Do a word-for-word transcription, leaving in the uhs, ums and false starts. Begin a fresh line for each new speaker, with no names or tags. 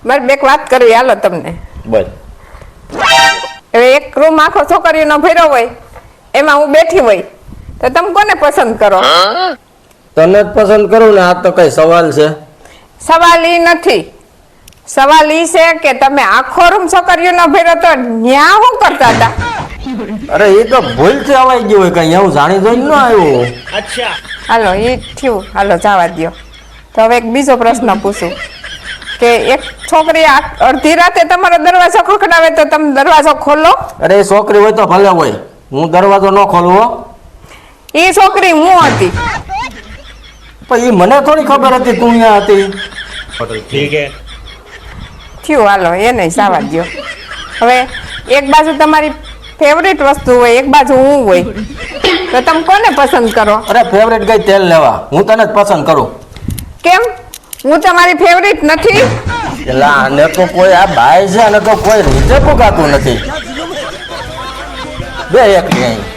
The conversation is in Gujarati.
મારે બેક વાત કરવી હાલો તમને
બોલ
હવે એક રૂમ આખો છોકરીઓનો ભર્યો હોય એમાં હું બેઠી હોય તો તમે કોને પસંદ કરો
તને જ પસંદ કરું ને આ તો કઈ સવાલ છે
સવાલ ઈ નથી સવાલ ઈ છે કે તમે આખો રૂમ છોકરીઓનો ભર્યો તો ન્યા શું કરતા હતા
અરે એ તો ભૂલથી અવાઈ ગયું હોય કઈ એવું જાણી જોઈને ન આવ્યું
હાલો એ થયું હાલો જવા દ્યો તો હવે એક બીજો પ્રશ્ન પૂછું કે એક છોકરી આ- અડધી રાતે તમારો દરવાજો ખખડાવે તો તમે દરવાજો ખોલો
અરે એ છોકરી હોય તો ભલે હોય હું દરવાજો ન ખોલવો
એ છોકરી હું હતી
પણ એ મને થોડી ખબર હતી તું અહીંયા હતી
ठीक है
થયું હાલો એ નહીં જવા દ્યો હવે એક બાજુ તમારી ફેવરિટ વસ્તુ હોય એક બાજુ હું હોય તો તમે કોને પસંદ કરો
અરે ફેવરેટ ગઈ તેલ લેવા હું તને જ પસંદ કરું
કેમ હું તમારી ફેવરિટ નથી
એટલે આને તો કોઈ આ બાય છે અને તો કોઈ રીતે પુગાતું નથી બે એક નહીં